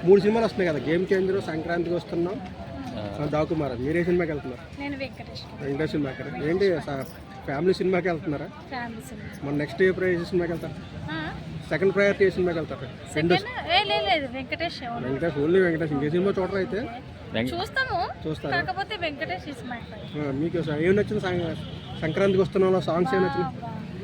3 సినిమాలు వస్తున్నాయి కదా, గేమ్ చేంజర్, సంక్రాంతికి వస్తున్నాం, దాకుమార్. మీరు ఏ సినిమాకి వెళ్తున్నారు? నేను వెంకటేష్ సినిమాకి. ఏంటి ఫ్యామిలీ సినిమాకి వెళ్తున్నారా? మన నెక్స్ట్ ఏ సినిమాకి వెళ్తారు? సెకండ్ ప్రయారిటీ ఏ సినిమాకి వెళ్తారు? వెంకటేష్. ఓన్లీ వెంకటేష్. ఇంకే సినిమా చూడరా అయితే? చూస్తారా? కాకపోతే వెంకటేష్ ఇస్ మై ఫేవరెట్. మీకు ఏం నచ్చింది సంక్రాంతికి వస్తున్నాం? సాంగ్స్ ఏం నచ్చింది?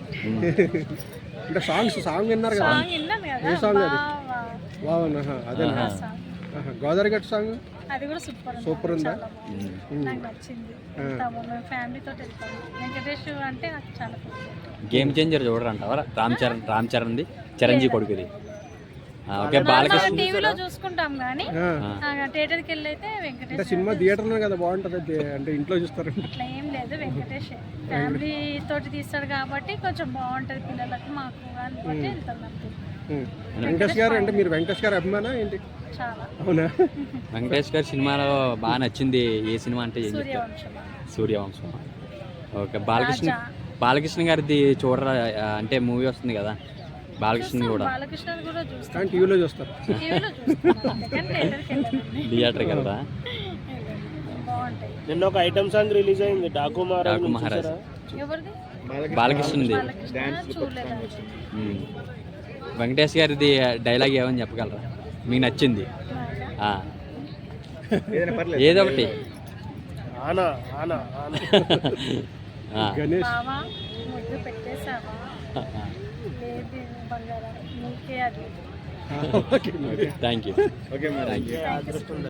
అంటే సాంగ్ విన్నారు కదా? ఏ సాంగ్ అది? బాగున్నా. అదే గోదావరి గట్టు సాంగ్, అది కూడా సూపర్ ఉందా? నాకు నచ్చింది. ఫ్యామిలీతో వెళ్తాము. వెంకటేష్ అంటే నాకు చాలా గేమ్ చేంజర్ చూడరంటావా? రామ్ చరణ్ది, చిరంజీవి కొడుకుది. ఓకే, బాలకృష్ణ టీవీలో చూసుకుంటాం కానీ థియేటర్కి వెళ్ళి అయితే వెంకటేష్. సినిమా థియేటర్లో కదా బాగుంటుంది, అంటే ఇంట్లో చూస్తారు అట్లా ఏం లేదు. వెంకటేష్ ఫ్యామిలీ తోటి తీస్తాడు కాబట్టి కొంచెం బాగుంటుంది పిల్లలకు, మాకు కాబట్టి వెళ్తాం. వెంకటేష్ గారు అంటే మీరు వెంకటేష్ గారు అభిమానా ఏంటి? చాలా. అవునా? వెంకటేష్ గారి సినిమాలో బాగా నచ్చింది ఏ సినిమా అంటే ఏం చెప్తారు? సూర్యవంశం. ఓకే, బాలకృష్ణ గారిది చూడరా? అంటే మూవీ వస్తుంది కదా, బాలకృష్ణ కూడా టీవీలో చూస్తారు. థియేటర్కి వెళ్తా. నిన్న ఒక ఐటమ్ సాంగ్ రిలీజ్ అయింది, డాకు మహారాజ్. బాలకృష్ణది. వెంకటేష్ గారిది డైలాగ్ ఏమని చెప్పగలరా మీకు నచ్చింది? ఏదో ఒకటి. Ganesh thank you.